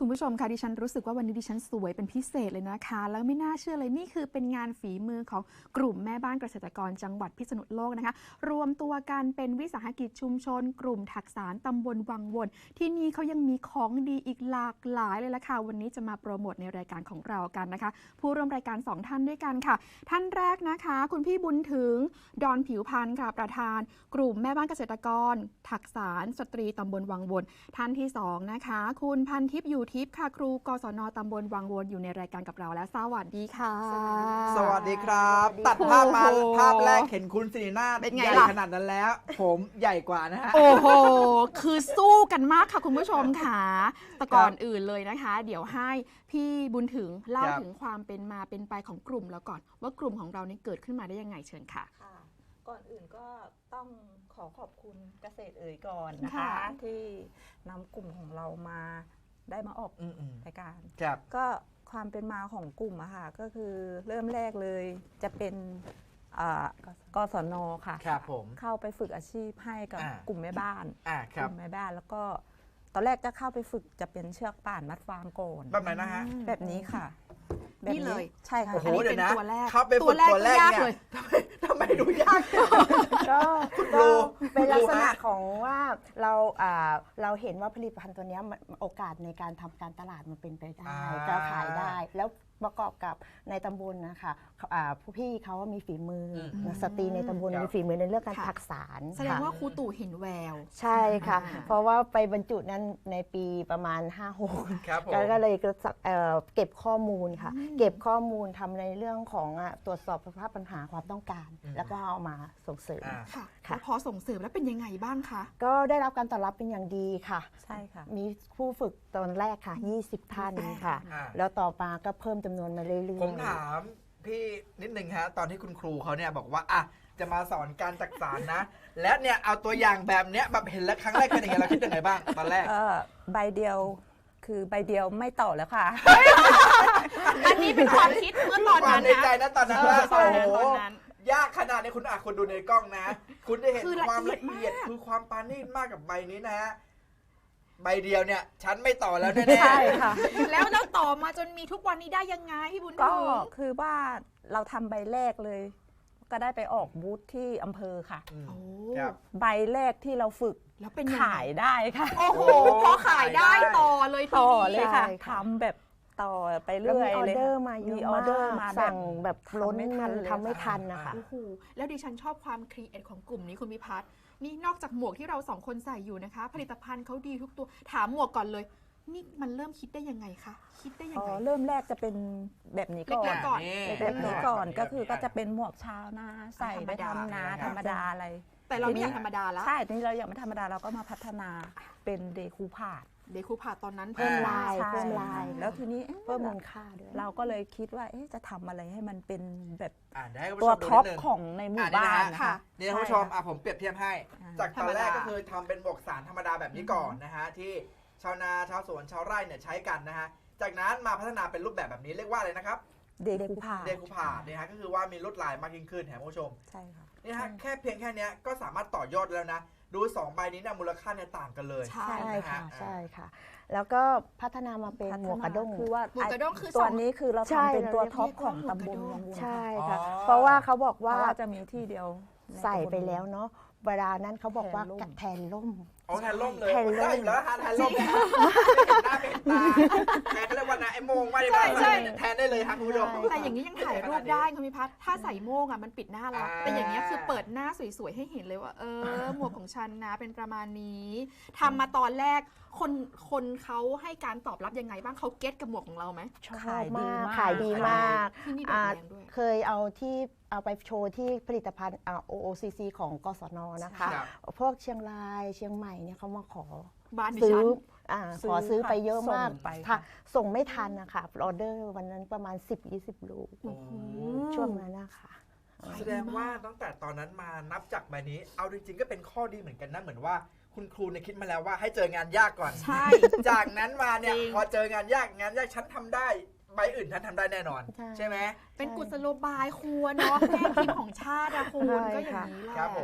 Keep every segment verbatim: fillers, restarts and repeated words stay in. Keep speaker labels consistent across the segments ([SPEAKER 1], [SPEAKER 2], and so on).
[SPEAKER 1] คุณผู้ชมคะดิฉันรู้สึกว่าวันนี้ดิฉันสวยเป็นพิเศษเลยนะคะแล้วไม่น่าเชื่อเลยนี่คือเป็นงานฝีมือของกลุ่มแม่บ้านเกษตรกรจังหวัดพิษณุโลกนะคะรวมตัวกันเป็นวิสาหกิจชุมชนกลุ่มถักสารตำบลวังวนที่นี่เขายังมีของดีอีกหลากหลายเลยละค่ะวันนี้จะมาโปรโมทในรายการของเรากันนะคะผู้ร่วมรายการสองท่านด้วยกันค่ะท่านแรกนะคะคุณพี่บุญถึงดอนผิวพันธ์ค่ะประธานกลุ่มแม่บ้านเกษตรกรถักสารสตรีตำบลวังวนท่านที่สองนะคะคุณพันทิพย์อยู่ทิพย์ค่ะครูกศน.ตำบลวังวนอยู่ในรายการกับเราแล้วสวัสดีค่ะ
[SPEAKER 2] สวัสดีครับตัดภาพมาภาพแรกเห็นคุณสิรินาถใหญ่ขนาดนั้นแล้วผมใหญ่กว่านะฮะ
[SPEAKER 1] โอ้โหคือสู้กันมากค่ะคุณผู้ชมค่ะแต่ก่อนอื่นเลยนะคะเดี๋ยวให้พี่บุญถึงเล่าถึงความเป็นมาเป็นไปของกลุ่มแล้วก่อนว่ากลุ่มของเรานี่เกิดขึ้นมาได้ยังไงเชิญค่ะ
[SPEAKER 3] ค่ะก่อนอื่นก็ต้องขอขอบคุณเกษตรเอ่ยก่อนนะคะที่นำกลุ่มของเรามาได้มาออกรายการก็ความเป็นมาของกลุ่มอะค่ะก็คือเริ่มแรกเลยจะเป็นกศน.ค่ะเข้าไปฝึกอาชีพให้กับกลุ่มแม่บ้านกลุ่มแม่บ้านแล้วก็ตอนแรกจะเข้าไปฝึกจะเป็นเชือกป่านมัดฟางก่อน
[SPEAKER 2] แบบไหนนะฮะ
[SPEAKER 3] แบบนี้ค่ะ
[SPEAKER 1] นี่เลย
[SPEAKER 3] ใช่ค่ะ
[SPEAKER 2] อันนี้เป็น
[SPEAKER 1] ตัวแรก
[SPEAKER 2] เข้าไปฝึกตัวแรกเนี่ยทำไมทำไมดูยาก
[SPEAKER 4] ก็ก็เป็นลักษณะของว่าเราเราเห็นว่าผลิตภัณฑ์ตัวนี้โอกาสในการทำการตลาดมันเป็นไปได้จะขายได้แล้วประกอบกับในตำบลนะคะผู้พี่เขาว่ามีฝีมือสตรีในตำบลมีฝีมือในเรื่องการถักสาร
[SPEAKER 1] แสดงว่าครูตู่เห็นแวว
[SPEAKER 4] ใช่ค่ะเพราะว่าไปบรรจุนั้นในปีประมาณ ห้าหก ก็เลยเก็บข้อมูลค่ะเก็บข้อมูลทำในเรื่องของตรวจสอบสภาพปัญหาความต้องการแล้วก็เอามาส่งเสริม
[SPEAKER 1] ค่ะพอส่งเสริมแล้วเป็นยังไงบ้างคะ
[SPEAKER 4] ก็ได้รับการตอบรับเป็นอย่างดีค่ะ
[SPEAKER 3] ใช่ค่ะ
[SPEAKER 4] มีผู้ฝึกตอนแรกค่ะยี่สิบท่านค่ะแล้วต่อมาก็เพิ่มจำนวนมาเรื่อยๆ
[SPEAKER 2] ผมถามพี่นิดนึงฮะตอนที่คุณครูเขาเนี่ยบอกว่าอ่ะจะมาสอนการจักสารนะและเนี่ยเอาตัวอย่างแบบเนี้ยแบบเห็นแล้วครั้งแรกเป็นยังไงเราคิดยังไงบ้างตอนแรก
[SPEAKER 3] ใบเดียวคือใบเดียวไม่ต่อแล้วค่ะ
[SPEAKER 1] อันนี้เป็นความคิดเมื่อตอนนั้น
[SPEAKER 2] นะในใจนะตอนนั้นว่าโอ้โหยากขนาดนี้คุณอ่ะคุณดูในกล้องนะคุณได้เห็นความละเอียดคือความปาณีตมากกับใบนี้นะฮะใบเดียวเนี่ยฉันไม่ต่อแล้วแน่ๆใช่
[SPEAKER 1] ค่ะแล้วเราต่อมาจนมีทุกวันนี้ได้ยังไงพี่บุญถึง
[SPEAKER 3] ก็คือว่าเราทำใบแรกเลยก็ได้ไปออกบูธที่อำเภอค่ะใบแรกที่เราฝึก
[SPEAKER 1] แล้วเป็น
[SPEAKER 3] ขายได้ค่ะ
[SPEAKER 1] โอ้โหพอขายได้ต่อเลย
[SPEAKER 3] ต่อเลยค่ะทำแบบต่อไปเรื่อย
[SPEAKER 4] เลยมีออเดอร์มาเยอะมากสั่งแบบล้น
[SPEAKER 3] มัน
[SPEAKER 4] ทำไม่ทันนะคะ
[SPEAKER 1] โอ้โหแล้วดิฉันชอบความครีเอทของกลุ่มนี้คุณพิพัฒน์นี่นอกจากหมวกที่เราสองคนใส่อยู่นะคะผลิตภัณฑ์เขาดีทุกตัวถามหมวกก่อนเลยนี่มันเริ่มคิดได้ยังไงคะคิดได้ยังไง
[SPEAKER 3] เริ่มแรกจะเป็นแบบนี้ก่อนแบบนี้ก่อนก็คือก็จะเป็นหมวกชาวนาใส่ไปทำนาธรรมดาอะไร
[SPEAKER 1] แต่เราไม่อยากธรรมดาแล้ว
[SPEAKER 3] ใช่ทีนี้เราอยากไม่ธรรมดาเราก็มาพัฒนาเป็นเดคูพาด
[SPEAKER 1] เดคูพาดตอนนั้น
[SPEAKER 4] เพิ่มลายเพิ่มลาย
[SPEAKER 3] แล้วทีนี้
[SPEAKER 4] เพิ่มมูลค่าด้วย
[SPEAKER 3] เราก็เลยคิดว่าจะทำอะไรให้มันเป็นแบบตัวท็อปของในหมู่บ้าน
[SPEAKER 2] ค่ะนี่ท่านผู้ชมผมเปรียบเทียบให้จากตอนแรกก็คือทำเป็นหมวกสารธรรมดาแบบนี้ก่อนนะฮะที่ชาวนาชาวสวนชาวไร่เนี่ยใช้กันนะฮะจากนั้นมาพัฒนาเป็นรูปแบบแบบนี้เรียกว่าอะไรนะครับ
[SPEAKER 3] เดคูพาด
[SPEAKER 2] เดคูพาดนี่ฮะก็คือว่ามีลวดลายมากยิ่งขึ้นแถมผู้ชม
[SPEAKER 3] ใช่ค่ะ
[SPEAKER 2] นี่ฮะแค่เพียงแค่นี้ก็สามารถต่อยอดแล้วนะดูสองใบนี้เนี่ยมูลค่าเนี่ยต่างกันเลย
[SPEAKER 4] ใช่ค่ะใช่ค่ะแล้วก็พัฒนามาเป็นหมวกกระด้ง
[SPEAKER 3] คือว่า
[SPEAKER 1] หมวกกระด้งคือ
[SPEAKER 3] ตัวนี้คือเราทำเป็นตัวท็อปของตำบลวังวน
[SPEAKER 4] ใช่ค่ะเพราะว่าเขาบอกว่า
[SPEAKER 3] จะมีที่เดียว
[SPEAKER 4] ใส่ไปแล้วเนาะเวลานั้นเขาบอกว่าแทนล่ม
[SPEAKER 2] อ๋อแทนล่มเลยแทนล่มแล้วแทนล่มหน้าเป็นตาแทนก็เรียกว่านะไอ้โมงไม่ได้แทนได้เลยครับคุณผู้ชม
[SPEAKER 1] แต่อย่างนี้ยังถ่ายรูปได้คุณพิพัฒน์ถ้าใส่โมงอ่ะมันปิดหน้าแล้วแต่อย่างนี้คือเปิดหน้าสวยๆให้เห็นเลยว่าเออหมวกของฉันนะเป็นประมาณนี้ทำมาตอนแรกคนคนเขาให้การตอบรับยังไงบ้างเขาเก็ตกับหมวกของเราไหม
[SPEAKER 4] ขายดีมากขายดีมากเคยเอาที่เอาไปโชว์ที่ผลิตภัณฑ์ โอ โอ ซี ซี ของกศน.นะคะพวกเชียงรายเชียงใหม่เนี่ยเขามาขอซื้อขอซื้อไปเยอะมากส่งไม่ทันนะคะออเดอร์วันนั้นประมาณ สิบถึงยี่สิบ ลูกช่วงนั้นนะคะ
[SPEAKER 2] แสดงว่าตั้งแต่ตอนนั้นมานับจากใบนี้เอาจริงๆก็เป็นข้อดีเหมือนกันนะเหมือนว่าคุณครูเนี่ยคิดมาแล้วว่าให้เจองานยากก่อน
[SPEAKER 1] ใช่
[SPEAKER 2] จากนั้นมาเนี่ยพอเจองานยากงานยากฉันทำได้ใบอื่นฉันทำได้แน่นอนใช่ไหม
[SPEAKER 1] เป็นกุศโลบายครูเนาะแม่พิมพ์ของชาติอะคุณก็อย่างนี้แหละ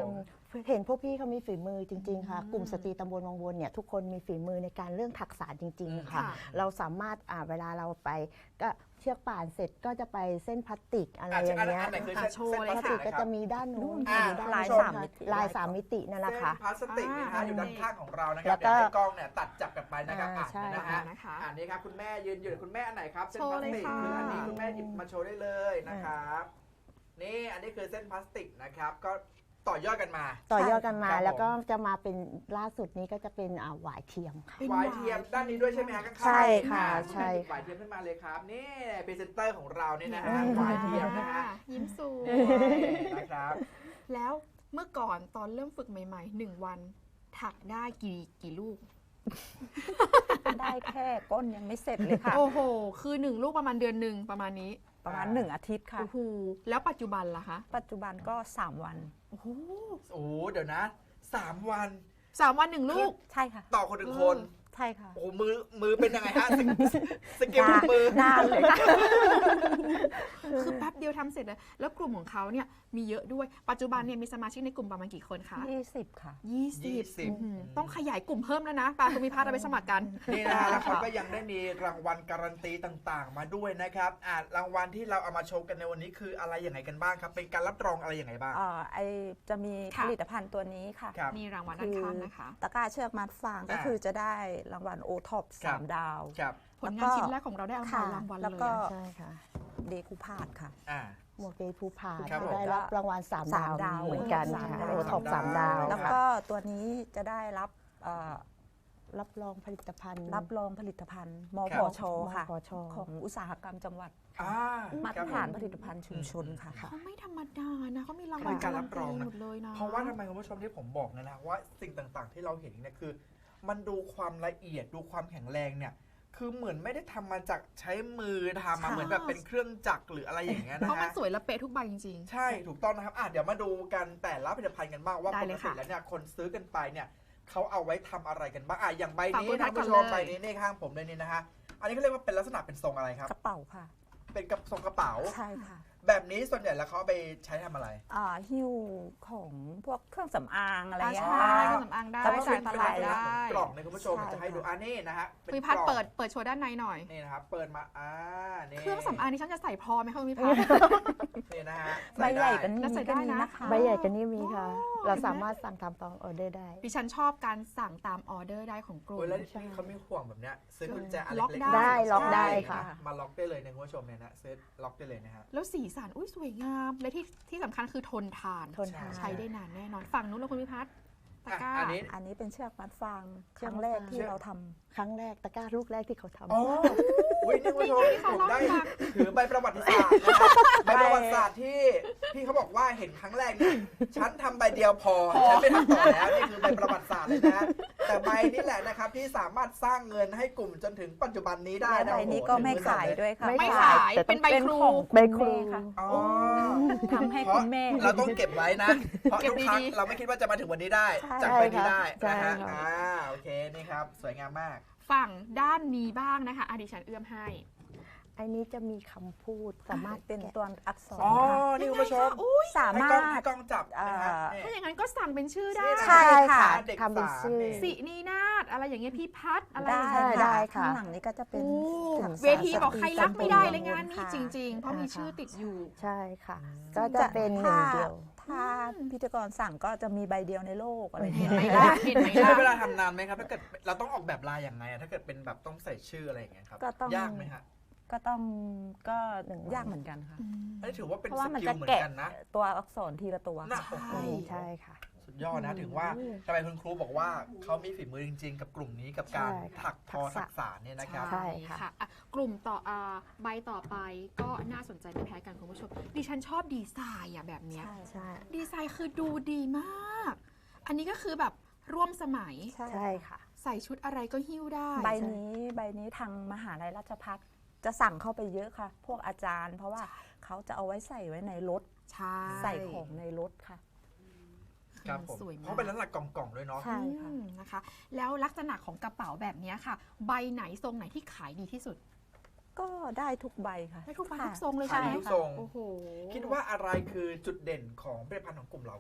[SPEAKER 4] เห็นพวกพี่เขามีฝีมือจริงๆค่ะกลุ่มสตรีตำบลวังวนเนี่ยทุกคนมีฝีมือในการเรื่องทักษะจริงๆค่ะเราสามารถอ่าเวลาเราไปก็เชือกป่านเสร็จก็จะไปเส้นพลาสติกอะไรอย่างเงี้ย
[SPEAKER 2] โชว์เลย
[SPEAKER 4] พลาสติกก็จะมีด้านนู้นมีด้าน
[SPEAKER 3] ลาย
[SPEAKER 4] โน้น
[SPEAKER 3] สามมิติ
[SPEAKER 4] ลายสามมิตินั่นแหละค่ะ
[SPEAKER 2] พลาสติกนะฮะอยู่ด้านข้างของเรานะค
[SPEAKER 4] แล้
[SPEAKER 2] รับ
[SPEAKER 4] วก็
[SPEAKER 2] เดี๋ยวให้กล้องเนี่ยตัดจับกันไปนะครับ
[SPEAKER 4] อ่า
[SPEAKER 2] อ่ะ
[SPEAKER 4] ใช่
[SPEAKER 2] นะฮะ
[SPEAKER 1] นะคะ
[SPEAKER 2] อันนี้ครับคุณแม่ยืนอยู่คุณแม่อันไหนครับเส้น
[SPEAKER 1] โชว์
[SPEAKER 2] พลาสติก
[SPEAKER 1] เลยค่ะ
[SPEAKER 2] คืออันนี้คุณแม่หยิบมาโชว์ได้เลยนะครับนี่อันนี้คือเส้นพลาสติกนะครับก็ต่อยอดกันมา
[SPEAKER 4] ต่อยอดกันมา
[SPEAKER 2] ครับผม
[SPEAKER 4] แล้วก็จะมาเป็นล่าสุดนี้ก็จะเป็นอ่าหวายเทียมค่ะ
[SPEAKER 1] เป็น
[SPEAKER 2] หวายเทียมด้านนี้ด้วยใช่ไหมฮะข้างๆ
[SPEAKER 4] ใช่ค่ะ
[SPEAKER 2] อ่า
[SPEAKER 4] ใช่
[SPEAKER 2] หวายเทียมขึ้นมาเลยครับนี่พรีเซนเตอร์ของเราเนี่ยนะฮะ
[SPEAKER 4] อืม
[SPEAKER 2] หวายเทียมนะฮะ
[SPEAKER 1] ยิ้มสูง
[SPEAKER 2] นะครับ
[SPEAKER 1] แล้วเมื่อก่อนตอนเริ่มฝึกใหม่ๆหนึ่งวัน ถักได้กี่กี่ลูก
[SPEAKER 3] ได้แค่ก้นยังไม่เสร็จเลยค่ะ
[SPEAKER 1] โอ้โห คือหนึ่งลูกประมาณเดือนหนึ่งประมาณนี้
[SPEAKER 3] ประมาณหนึ่งอาทิตย์ค่ะ
[SPEAKER 1] โอ้โห แล้วปัจจุบันล่ะคะ
[SPEAKER 3] ปัจจุบันก็สามวัน
[SPEAKER 1] โอ้โห
[SPEAKER 2] โอ้เดี๋ยวนะสามวัน
[SPEAKER 1] สามวันหนึ่งลูก
[SPEAKER 3] ใช่ค่ะ
[SPEAKER 2] ต่อคนหนึ่งคน
[SPEAKER 3] ใช่ค่ะ
[SPEAKER 2] โอ้โหมือมือเป็นยังไงฮะสกิสกิลมือ
[SPEAKER 3] นานเลยค่ะ
[SPEAKER 1] คือแป๊บเดียวทำเสร็จเลย แล้วกลุ่มของเขาเนี่ยมีเยอะด้วย ปัจจุบันเนี่ยมีสมาชิกในกลุ่มประมาณกี่คนคะ
[SPEAKER 3] ยี่สิบค่ะ
[SPEAKER 1] ยี่สิบ
[SPEAKER 2] ยี่สิบ
[SPEAKER 1] อื้อหือต้องขยายกลุ่มเพิ่มแล้วนะปาคุณมีพาร์ทเราไปสมัครกัน
[SPEAKER 2] นี่นะฮะแล้วเขาก็ยังได้มีรางวัลการันตีต่างๆ มาด้วยนะครับอ่ารางวัลที่เราเอามาโชว์กันในวันนี้คืออะไรอย่างไรกันบ้างครับ เป็นการรับรองอะไรอย่างไรบ้าง
[SPEAKER 3] อ่าไอจะมี
[SPEAKER 1] ค่ะ
[SPEAKER 3] ผลิตภัณฑ์ตัวนี้ค่ะ
[SPEAKER 2] ครับ
[SPEAKER 1] มีรางวัลด้านข้างนะคะ
[SPEAKER 3] ตะกร้าเชือกมัดฟางก็
[SPEAKER 2] อ่า
[SPEAKER 3] คือจะได้รางวัลโอท็อป
[SPEAKER 2] ครั
[SPEAKER 3] สา
[SPEAKER 2] บ
[SPEAKER 3] มดาว
[SPEAKER 2] ครับ
[SPEAKER 1] ผลงานชิ้นแรกของเราได้เอามา
[SPEAKER 3] ค่ะ
[SPEAKER 1] รางวัล
[SPEAKER 3] แล้ว
[SPEAKER 1] เลย
[SPEAKER 3] ก็
[SPEAKER 1] อะ
[SPEAKER 4] ใช่ค่ะ
[SPEAKER 3] เดคูพาดค่ะ
[SPEAKER 2] อ่า
[SPEAKER 4] หมวกเดย์ภูผา
[SPEAKER 2] ครับผม
[SPEAKER 4] ได้รับรางวัลสาม
[SPEAKER 3] สา
[SPEAKER 4] ดาม ว
[SPEAKER 3] ดาว
[SPEAKER 4] เหมือนกัน
[SPEAKER 3] สาม
[SPEAKER 4] ค่ะ
[SPEAKER 3] ดาว
[SPEAKER 4] โอท็อปสามดาว
[SPEAKER 3] แล้วก็ตัวนี้จะได้รับเอ่อ
[SPEAKER 4] รับรองผลิตภัณฑ์
[SPEAKER 3] รับรองผลิตภัณฑ์ม
[SPEAKER 2] ค
[SPEAKER 3] พ
[SPEAKER 2] รับ
[SPEAKER 3] ชค่ะ
[SPEAKER 4] มพช
[SPEAKER 3] ของอุตสาหกรรมจังหวัด
[SPEAKER 2] อ่า
[SPEAKER 3] มาต
[SPEAKER 2] ค
[SPEAKER 3] ร
[SPEAKER 2] บ
[SPEAKER 3] ฐาน
[SPEAKER 2] ผม
[SPEAKER 3] ผลิตภัณฑ์ชุมชนค่ะ
[SPEAKER 1] เขาไม่ธรรมดานะเขามีรางวัล
[SPEAKER 2] เป็นการรับรองนะ
[SPEAKER 1] หมดเลยนะ
[SPEAKER 2] เพราะว่าทำไมคุณผู้ชมที่ผมบอกนะนะว่าสิ่งต่างๆ ที่เราเห็นเนี่ยคือ มันดูความละเอียดดูความแข็งแรงเนี่ยคือเหมือนไม่ได้ทำมาจากใช้มือทำมา
[SPEAKER 3] ค่ะ
[SPEAKER 2] เหมือนแบบเป็นเครื่องจักรหรืออะไรอย่างเงี้ยนะ
[SPEAKER 1] เพราะมัน
[SPEAKER 2] ฮะ
[SPEAKER 1] สวยและเป๊ะทุกใบจริง
[SPEAKER 2] ใช่ถูกต้องนะครับอ่ะเดี๋ยวมาดูกันแต่ละผลิตภัณฑ์กันบ้างว่า
[SPEAKER 1] ได้
[SPEAKER 2] ป
[SPEAKER 1] เล
[SPEAKER 2] ก
[SPEAKER 1] ย
[SPEAKER 2] ติ
[SPEAKER 1] ค่ะ
[SPEAKER 2] แล้วเนี่ยคนซื้อกันไปเนี่ยเขาเอาไว้ทำอะไรกันบ้างอ่ะอย่างใบนี้
[SPEAKER 1] ฝากคุณ
[SPEAKER 2] ท่านผู้ช
[SPEAKER 1] ก่
[SPEAKER 2] ม
[SPEAKER 1] อนเลย
[SPEAKER 2] ใบนี้นี่ข้างผมเลยนี่นะฮะอันนี้เขาเรียกว่าเป็นลักษณะเป็นทรงอะไรครับ
[SPEAKER 3] กระเป๋าค่ะ
[SPEAKER 2] เป็นกระทรงกระเป๋า
[SPEAKER 3] ใช่ค่ะ
[SPEAKER 2] แบบนี้ส่วนใหญ่แล้วเขาเอาไปใช้ทำอะไร
[SPEAKER 3] อ่าหิ้วของพวกเครื่องสำอางอะไร
[SPEAKER 1] ๆ
[SPEAKER 3] อย่างเงี้ย
[SPEAKER 1] ใช่
[SPEAKER 3] ค่ะ
[SPEAKER 1] เครื่องสำอางได้
[SPEAKER 2] แต่ว่า
[SPEAKER 1] ใส่
[SPEAKER 2] เป็น
[SPEAKER 1] ต
[SPEAKER 2] เป็น
[SPEAKER 1] ลา
[SPEAKER 2] ลั
[SPEAKER 1] ด
[SPEAKER 2] กษณะ
[SPEAKER 1] ได้
[SPEAKER 2] ของกล่องในคุณผู้ชม
[SPEAKER 3] ใช่
[SPEAKER 2] จะให้ดู
[SPEAKER 3] ค่ะ
[SPEAKER 2] อันนี้นะฮะเป็น
[SPEAKER 1] พี่พัด
[SPEAKER 2] กล่อง
[SPEAKER 1] เปิดเปิดโชว์ด้านในหน่อย
[SPEAKER 2] นี่นะครับเปิดมาอ่านี่
[SPEAKER 1] เครื่องสำอางนี่ฉันจะใส่พอไหมคะคุณพี่พัด
[SPEAKER 2] นี่นะฮะ
[SPEAKER 3] ใบใหญ่
[SPEAKER 2] ส่
[SPEAKER 3] กัน
[SPEAKER 2] ได้
[SPEAKER 3] นี้
[SPEAKER 1] แล้วใส่ได้
[SPEAKER 3] ก็มี
[SPEAKER 1] นะ
[SPEAKER 3] นะคะ
[SPEAKER 4] ใบใหญ่กันนี่มีค่ะ
[SPEAKER 1] โอ้
[SPEAKER 4] เราสามารถสั่งทำตองออเดอร์ได้
[SPEAKER 1] ดิฉันชอบการสั่งตามออเดอร์ได้ของกลุ่
[SPEAKER 2] โอ้
[SPEAKER 1] ม
[SPEAKER 2] ยแล้วพี่เขาไม่ห่วงแบบเนี้ยซื้อกุญแจอะไร
[SPEAKER 1] ล็อก
[SPEAKER 2] เล็ก
[SPEAKER 1] ได้
[SPEAKER 2] ๆ
[SPEAKER 4] ล็อกได้
[SPEAKER 2] ใช่
[SPEAKER 4] ค่ะ
[SPEAKER 2] มาล็อกได้เลยในคุณผู้ชมเนี่ยนะซื้อล็อกได้เลยนะฮะ
[SPEAKER 1] แล้วสีสันอุ้ยสวยงาม และที่ที่สำคัญคือทนทาน
[SPEAKER 4] ทนทาน
[SPEAKER 1] ใช้ได้นานแน่นอนฝั่งนู้นเราคุณพิพัฒน์ตะกร้า
[SPEAKER 2] อ่ะอันนี้
[SPEAKER 3] อันนี้เป็นเชือกมัดฟางค
[SPEAKER 4] เชือก
[SPEAKER 3] รั้ง
[SPEAKER 4] มัด
[SPEAKER 3] แรก
[SPEAKER 4] ฟาง
[SPEAKER 3] ที่เราทำ
[SPEAKER 4] ครั้งแรกตะกร้าลูกแรกที่เขาทำ
[SPEAKER 2] อ๋ออุ้ยนี่คุณผู้ชม
[SPEAKER 1] นี่เขา
[SPEAKER 2] ผมได้
[SPEAKER 1] เล่าให้ฟัง
[SPEAKER 2] ถือใบประวัติศาสตร์นะครับใบประวัติศาสตร์ที่พี่เขาบอกว่าเห็นครั้งแรกเนี่ยฉันทำใบเดียวพอฉันไม่ทำต่อแล้วนี่คือใบประวัติศาสตร์เลยนะแต่ใบนี้แหละนะครับที่สามารถสร้างเงินให้กลุ่มจนถึงปัจจุบันนี้ได้
[SPEAKER 3] และ
[SPEAKER 2] นะ
[SPEAKER 3] ใบนี้ก็ไม่ขายด้วยค่ะ
[SPEAKER 1] ไม่
[SPEAKER 3] เพระ
[SPEAKER 1] ขาย
[SPEAKER 3] แต่
[SPEAKER 1] เป็นใบครู
[SPEAKER 3] ของ
[SPEAKER 4] ใบครู
[SPEAKER 3] แม่ค่ะ
[SPEAKER 2] อ๋อ
[SPEAKER 3] ทำให้
[SPEAKER 2] เพราะ
[SPEAKER 3] คุณแม่
[SPEAKER 2] เราต้องเก็บไว้นะ เพราะ
[SPEAKER 1] เก็บ
[SPEAKER 2] ทุกครั้ง
[SPEAKER 1] ดีๆ
[SPEAKER 2] เราไม่คิดว่าจะมาถึงวันนี้ได้
[SPEAKER 3] ใช่
[SPEAKER 2] จากใบนี้ได้
[SPEAKER 4] ใช่
[SPEAKER 2] นะฮะ
[SPEAKER 4] ค่ะ
[SPEAKER 2] อ่าโอเคนี่ครับสวยงามมาก
[SPEAKER 1] ฝั่งด้านนี้บ้างนะคะอะดิฉันเอื้อมให้
[SPEAKER 4] อันนี้จะมีคำพูดสามารถ
[SPEAKER 3] เป็น
[SPEAKER 4] แกะ
[SPEAKER 3] ตัวอักษร
[SPEAKER 2] อ๋อ
[SPEAKER 3] ค่ะ
[SPEAKER 2] นี่คุณผู้ชม
[SPEAKER 3] สา
[SPEAKER 2] ให้
[SPEAKER 3] มาก
[SPEAKER 2] ล้อง
[SPEAKER 3] ร
[SPEAKER 2] ให้
[SPEAKER 3] ถ
[SPEAKER 2] กล้องจับนะฮะ
[SPEAKER 3] อ่า
[SPEAKER 2] นี่
[SPEAKER 1] ถ้าอย่างนั้นก็สั่งเป็นชื่อได้
[SPEAKER 3] ใช่ค่ะ
[SPEAKER 2] เด็ก
[SPEAKER 4] ทำเป็น
[SPEAKER 2] สาม
[SPEAKER 4] ชื่อ
[SPEAKER 2] นี่
[SPEAKER 1] สินีนาฏอะไรอย่างเงี้ยพี่พัดอะไร
[SPEAKER 3] ได้
[SPEAKER 1] อย่างเงี้ย
[SPEAKER 4] ได้
[SPEAKER 3] ค่ะ
[SPEAKER 4] ค่ะ
[SPEAKER 3] ข้างหลังนี้ก็จะเป็น
[SPEAKER 1] โอ้
[SPEAKER 3] ถัง
[SPEAKER 1] เวทีบอกใครรักไม่ได้เลย
[SPEAKER 3] ส
[SPEAKER 1] งานนี้
[SPEAKER 3] ค่ะ
[SPEAKER 1] จริง ๆ เพราะมีชื่อติดอยู่
[SPEAKER 4] ใช่ค่ะ ก็จะเป็นหนึ่งเดียว
[SPEAKER 3] ถ้าพิธีกรสั่งก็จะมีใบเดียวในโลกอะไรอย่าง
[SPEAKER 1] เห็
[SPEAKER 3] เงี้
[SPEAKER 1] น
[SPEAKER 3] ย
[SPEAKER 1] ไหมล่ะเห็นไหม
[SPEAKER 2] ใช้เว
[SPEAKER 1] ล่ะ
[SPEAKER 2] ลาทำนานไหมครับถ้าเกิดเราต้องออกแบบลายอย่างไงอะถ้าเกิดเป็นแบบต้องใส่ชื่ออะไรอย่างเงี้ยครับ
[SPEAKER 3] ก็ต้อง
[SPEAKER 2] ยากไหมฮะ
[SPEAKER 3] ก็ต้องก็
[SPEAKER 4] หนึ่ง
[SPEAKER 3] ยากเหมือนกันค่ะ
[SPEAKER 2] อันนี้ถือว่าเป็น
[SPEAKER 3] เพราะ
[SPEAKER 2] ส
[SPEAKER 3] ว่ามัน
[SPEAKER 2] กิ
[SPEAKER 3] จะ
[SPEAKER 2] ลเหมือน
[SPEAKER 3] แกะ
[SPEAKER 2] กันนะ
[SPEAKER 3] ตัวอักษรทีละตัว
[SPEAKER 2] น่ะ
[SPEAKER 3] ค่ะ
[SPEAKER 2] โอ้โห
[SPEAKER 4] ใช่ค่ะ
[SPEAKER 2] สุดยอดนะถึงว่าทำไมคุณครูบอกว่าเขามีฝีมือจริง ๆ กับกลุ่มนี้กับการ
[SPEAKER 4] ใช่ค่ะ
[SPEAKER 2] ถักทอ
[SPEAKER 4] ทักษะ
[SPEAKER 2] ทักษะเนี่ยนะครับ
[SPEAKER 4] ใช่ค่ะ
[SPEAKER 1] อ่ะกลุ่มต่ออ่าใบต่อไปก็น่าสนใจไม่แพ้กันคุณผู้ชม ดิฉันชอบดีไซน์อ่ะแบบเนี้ย
[SPEAKER 3] ใช่
[SPEAKER 4] ใช่
[SPEAKER 1] ดีไซน์คือดูดีมาก อันนี้ก็คือแบบร่วมสมัย
[SPEAKER 3] ใช่
[SPEAKER 4] ใช่ค่ะ
[SPEAKER 1] ใส่ชุดอะไรก็หิ้วได้
[SPEAKER 3] ใบนี้ใบนี้ทางมหาลัยราชภัฏจะสั่งเข้าไปเยอะค่ะ พวกอาจารย์ เพราะว่าเขาจะเอาไว้ใส่ไว้ในรถ
[SPEAKER 1] ใช่
[SPEAKER 3] ใส่ของในรถค่ะ
[SPEAKER 2] ครับผม
[SPEAKER 1] สวยมาก
[SPEAKER 2] เขาเป็นลักษณะกล่องๆด้วยเนาะ
[SPEAKER 3] ใช่ค่ะ
[SPEAKER 1] อืมนะคะ แล้วลักษณะของกระเป๋าแบบเนี้ยค่ะ ใบไหนทรงไหนที่ขายดีที่สุด
[SPEAKER 3] ก็ได้ทุกใบค่ะ
[SPEAKER 1] ได้ทุกใบ
[SPEAKER 3] ค่ะ
[SPEAKER 1] ทุกทรงเลย
[SPEAKER 2] ขา
[SPEAKER 1] ใช่
[SPEAKER 2] ย
[SPEAKER 1] ไหม
[SPEAKER 2] ทุกทรง
[SPEAKER 1] โอ้โห
[SPEAKER 2] คิดว่าอะไรคือจุดเด่นของผลิตภัณฑ์ของกลุ่มเราครับ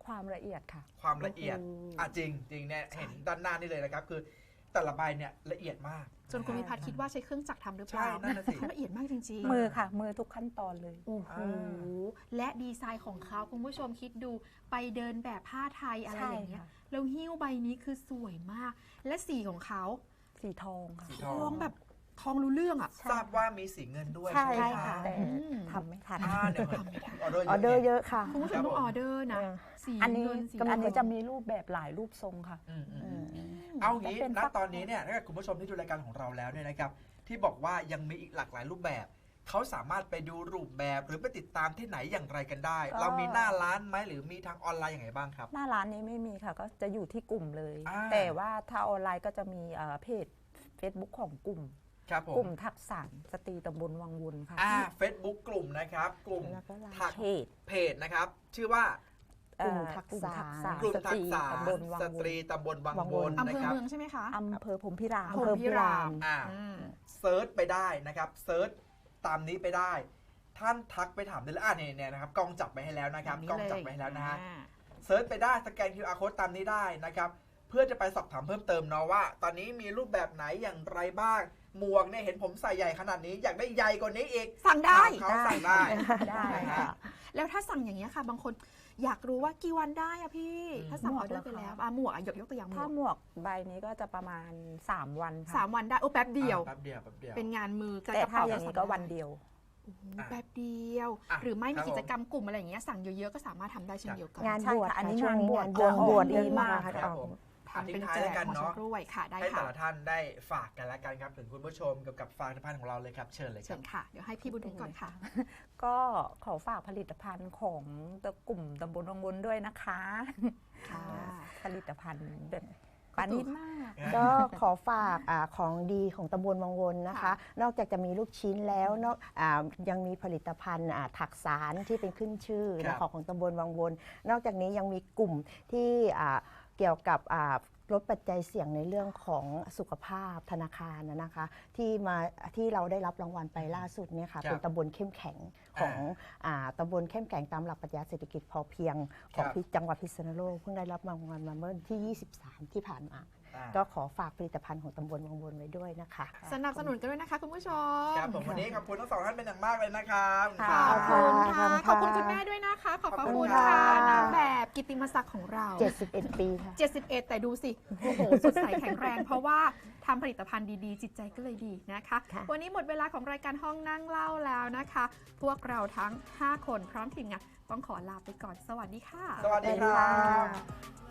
[SPEAKER 3] ความละเอียดค่ะ
[SPEAKER 2] ความละเอียด
[SPEAKER 4] โอ้โห
[SPEAKER 2] อ่ะจริงจริงเนี่ยเห็นด้านหน้านี่เลยนะครับคือแต่ละใบเนี่ยละเอียดมาก
[SPEAKER 1] จนคุณพิพัฒน์คิดว่าใช้เครื่องจักรทำหรือเปล่า
[SPEAKER 2] ใช่นั่นน่ะสิ
[SPEAKER 1] เขาละเอียดมากจริงๆ
[SPEAKER 3] มือค่ะ มือทุกขั้นตอนเลย
[SPEAKER 1] โอ้โห และดีไซน์ของเขาคุณผู้ชมคิดดูไปเดินแบบผ้าไทยอะไรอย่างเงี้ย
[SPEAKER 3] ใช่ค่ะ
[SPEAKER 1] แล้วหิ้วใบนี้คือสวยมาก และสีของเขา
[SPEAKER 3] สีทองค่ะ
[SPEAKER 2] สี
[SPEAKER 1] ทองแบบทองรู้เรื่องอ่ะ
[SPEAKER 2] ทราบว่ามีสีเงินด้วย
[SPEAKER 3] ใช่
[SPEAKER 2] ใช่ไหม
[SPEAKER 3] ค่ะ
[SPEAKER 2] คะ
[SPEAKER 3] แต่
[SPEAKER 1] อืม
[SPEAKER 3] ทำไม่ทัน
[SPEAKER 2] อ่าเดี๋ยวออเดอร์
[SPEAKER 4] ออเดอร์
[SPEAKER 2] เย
[SPEAKER 4] เย
[SPEAKER 2] อะ
[SPEAKER 4] อะค่ะ
[SPEAKER 1] คุณผู้ชมต้องออเดอร์นะ
[SPEAKER 4] เออ
[SPEAKER 1] สี
[SPEAKER 3] อันนี้
[SPEAKER 1] เงินสี
[SPEAKER 3] อันนี้
[SPEAKER 1] ท
[SPEAKER 3] จะ
[SPEAKER 1] อง
[SPEAKER 3] มีรูปแบบหลายรูปทรงค่ะ
[SPEAKER 2] อืมอืม
[SPEAKER 4] อื
[SPEAKER 2] อืม
[SPEAKER 4] ม
[SPEAKER 2] เอางี้
[SPEAKER 3] จะเป็น
[SPEAKER 2] ณ
[SPEAKER 3] ฟัก
[SPEAKER 2] ตอนนี้เนี่ยถ้าเกิดคุณผู้ชมที่ดูรายการของเราแล้วเนี่ยนะครับที่บอกว่ายังมีอีกหลากหลายรูปแบบเขาสามารถไปดูรูปแบบหรือไปติดตามที่ไหนอย่างไรกันได้ เรามีหน้าร้านไหมหรือมีทางออนไลน์อย่างไรบ้างครับ
[SPEAKER 3] หน้าร้านนี้ไม่มีค่ะ ก็จะอยู่ที่กลุ่มเลย
[SPEAKER 2] อ่า
[SPEAKER 3] แต่ว่าถ้าออนไลน์ก็จะมีเอ่อเพจ Facebook ของกลุ่ม
[SPEAKER 2] ครับผ
[SPEAKER 3] กลุ่
[SPEAKER 2] ม
[SPEAKER 3] มทักษะสตรีตำบลวังวนค่ะ
[SPEAKER 2] อ่า Facebook กลุ่มนะครับ กลุ่ม
[SPEAKER 4] แล้วก็ไลน์
[SPEAKER 2] ทัก
[SPEAKER 3] เพจ
[SPEAKER 2] เพจนะครับ ชื่อว่า
[SPEAKER 4] กลุ่ม
[SPEAKER 3] เอ่อ
[SPEAKER 4] ทักษะ
[SPEAKER 2] กลุ่ม
[SPEAKER 3] ส
[SPEAKER 2] ทั
[SPEAKER 3] ต
[SPEAKER 2] ก
[SPEAKER 3] รี
[SPEAKER 2] ษะ
[SPEAKER 3] ตำบลวัง
[SPEAKER 2] ส
[SPEAKER 3] ว
[SPEAKER 2] ตรี
[SPEAKER 3] น
[SPEAKER 2] ตำบลวัง
[SPEAKER 4] วัง
[SPEAKER 2] ว
[SPEAKER 4] วน น
[SPEAKER 1] อำ
[SPEAKER 2] นะ
[SPEAKER 1] เภอ
[SPEAKER 2] ครับ
[SPEAKER 1] เมืองใช่ไหมคะ
[SPEAKER 3] อำเภอพรหมพิราม
[SPEAKER 4] อำเภอพิราม
[SPEAKER 2] อ่า
[SPEAKER 1] อืม
[SPEAKER 2] เซิร์ชไปได้นะครับเซิร์ชตามนี้ไปได้ ท่านทักไปถามได้เลยอ่าเนี่ยเนี่ยนะครับกล้องจับไปให้แล้วนะครับกล้องจับไปให้แล้วนะฮะ
[SPEAKER 1] อ่า
[SPEAKER 2] เซิร์ชไปได้สแกน คิว อาร์ Code ตามนี้ได้นะครับเพื่อจะไปสอบถามเพิ่มเติมเนาะว่า ตอนนี้มีรูปแบบไหนอย่างไรบ้างหมวกเนี่ยเห็นผมใส่ใหญ่ขนาดนี้อยากได้ใหญ่กว่านี้อีก
[SPEAKER 1] สั่งได้
[SPEAKER 2] ถามเขาสั่งได้
[SPEAKER 3] ได้
[SPEAKER 2] นะ
[SPEAKER 3] ค่ะ
[SPEAKER 2] ฮะ
[SPEAKER 1] แล้วถ้าสั่งอย่างเงี้ยค่ะ บางคนอยากรู้ว่ากี่วันได้อะพี่
[SPEAKER 2] อืม
[SPEAKER 1] ถ้าสั่ง
[SPEAKER 3] หม
[SPEAKER 1] อ
[SPEAKER 3] ว
[SPEAKER 1] อก เดอร์ไป
[SPEAKER 3] เหรอคะ
[SPEAKER 1] แล้วอ่ะหมวกอ่ะยกยกตัวอย่างหม
[SPEAKER 3] ถ้าว
[SPEAKER 1] ก
[SPEAKER 3] หมวกใบนี้ก็จะประมาณ สาม วันค่ะ
[SPEAKER 1] สามวันได้โอ้แป๊บเดียว
[SPEAKER 2] อ่าแป๊บเดียวแป๊บเดียว
[SPEAKER 1] เป็นงานมือ
[SPEAKER 3] แต่ถ้าอย่าง
[SPEAKER 1] นี้
[SPEAKER 3] นี้ก็วันเดียว
[SPEAKER 1] โอ้โห
[SPEAKER 2] อ่ะ
[SPEAKER 1] แป๊บเดียว
[SPEAKER 2] อ่ะ
[SPEAKER 1] หรือไม่
[SPEAKER 2] ครั
[SPEAKER 1] มี
[SPEAKER 2] บ
[SPEAKER 1] กิจกรรมกลุ่มอะไรอย่างเงี้ยสั่งเยอะๆก็สามารถทำได้เช่นเดียวกัน
[SPEAKER 4] งาน
[SPEAKER 3] ใช่
[SPEAKER 4] บวช
[SPEAKER 3] ค่ะอันนี้
[SPEAKER 4] ช่ว
[SPEAKER 3] งานบวช
[SPEAKER 4] งานบวช
[SPEAKER 3] อ๋อ
[SPEAKER 4] ดี
[SPEAKER 3] ดี
[SPEAKER 4] มาม
[SPEAKER 3] าก ก
[SPEAKER 4] ค่ะ
[SPEAKER 2] ครับผม
[SPEAKER 1] ทำเป็น
[SPEAKER 2] ทิ้งท้าย
[SPEAKER 1] แจ
[SPEAKER 2] แล้ว
[SPEAKER 1] ก
[SPEAKER 2] กัน
[SPEAKER 1] ของ
[SPEAKER 2] เนาะ
[SPEAKER 1] ชำร่วยค่ะได้
[SPEAKER 2] ให้แต่
[SPEAKER 1] ค่ะ
[SPEAKER 2] ละท่านได้ฝากกันแล้วกันครับถึงคุณผู้ชมเกี่ยวกับผลิตภัณฑ์ของเราเลยครับเชิญเลยค
[SPEAKER 1] เชิ
[SPEAKER 2] รับ
[SPEAKER 1] ญค่ะ เดี๋ยวให้พี่บุญถึงก่อนค่ะ
[SPEAKER 3] ก็ขอฝากผลิตภัณฑ์ของกลุ่มตำบลวังวนด้วยนะคะ
[SPEAKER 1] ค่ะ
[SPEAKER 3] ผลิตภัณฑ์แบบปานิดมาก
[SPEAKER 4] ก็ขอฝากอาของดีของตำบลวังวนนะคะ
[SPEAKER 1] ค่ะ
[SPEAKER 4] นอกจากจะมีลูกชิ้นแล้วนอกอายังมีผลิตภัณฑ์อ่าถักสารที่เป็นขึ้นชื่อ
[SPEAKER 2] ครั
[SPEAKER 4] นะ
[SPEAKER 2] บ
[SPEAKER 4] ของของตำบลวังวน นอกจากนี้ยังมีกลุ่มที่อ่าเกี่ยวกับอ่าลดปัจจัยเสี่ยงในเรื่องของสุขภาพธนาคารนะนะคะ ที่มาที่เราได้รับรางวัลไปล่าสุดเนี่ยค่ะ
[SPEAKER 2] ครับ
[SPEAKER 4] เป็นตำบลเข้มแข็งของอ่าตำบลเข้มแข็งตามหลักปรัชญาเศรษฐกิจพอเพียงของ
[SPEAKER 2] ครับ
[SPEAKER 4] ที่จังหวัดพิษณุโลกเพิ่งได้รับรางวัลมาเมื่อที่ยี่สิบสามที่ผ่านมา
[SPEAKER 2] อ่า
[SPEAKER 4] ก็ขอฝากผลิตภัณฑ์ของตำบลวังวนไว้ด้วยนะคะ
[SPEAKER 1] สนับสนุนกันด้วยนะคะคุณผู้ชม
[SPEAKER 2] ครับผมวันนี้ขอบคุณทั้งสองท่านเป็นอย่างมากเลยนะครับ
[SPEAKER 3] ค่ะ
[SPEAKER 1] ขอบคุณค่ะ
[SPEAKER 4] ข
[SPEAKER 1] ข
[SPEAKER 4] อ
[SPEAKER 1] อ
[SPEAKER 4] บบ คุ
[SPEAKER 1] คุณ
[SPEAKER 4] ณค่ะ
[SPEAKER 1] คุณแม่ด้วยนะคะ ขอบพระ
[SPEAKER 2] ขอบคุ
[SPEAKER 1] คุณ
[SPEAKER 2] ณ
[SPEAKER 1] ค่ะ
[SPEAKER 2] ค่ะ
[SPEAKER 1] นางแบบกิตติมศักดิ์ของเรา
[SPEAKER 4] เจ็ดสิบเอ็ด ปีค่ะ
[SPEAKER 1] เจ็ดสิบเอ็ดแต่ดูสิ โอ้โห สดใสแข็งแรง เพราะว่าทำผลิตภัณฑ์ดีๆ จิตใจก็เลยดีนะคะ
[SPEAKER 4] ค่ะ
[SPEAKER 1] วันนี้หมดเวลาของรายการห้องนั่งเล่าแล้วนะคะ พวกเราทั้ง ห้า คนพร้อมทีมงานต้องขอลาไปก่อน สวัสดีค่ะ
[SPEAKER 2] สวัสดีครับ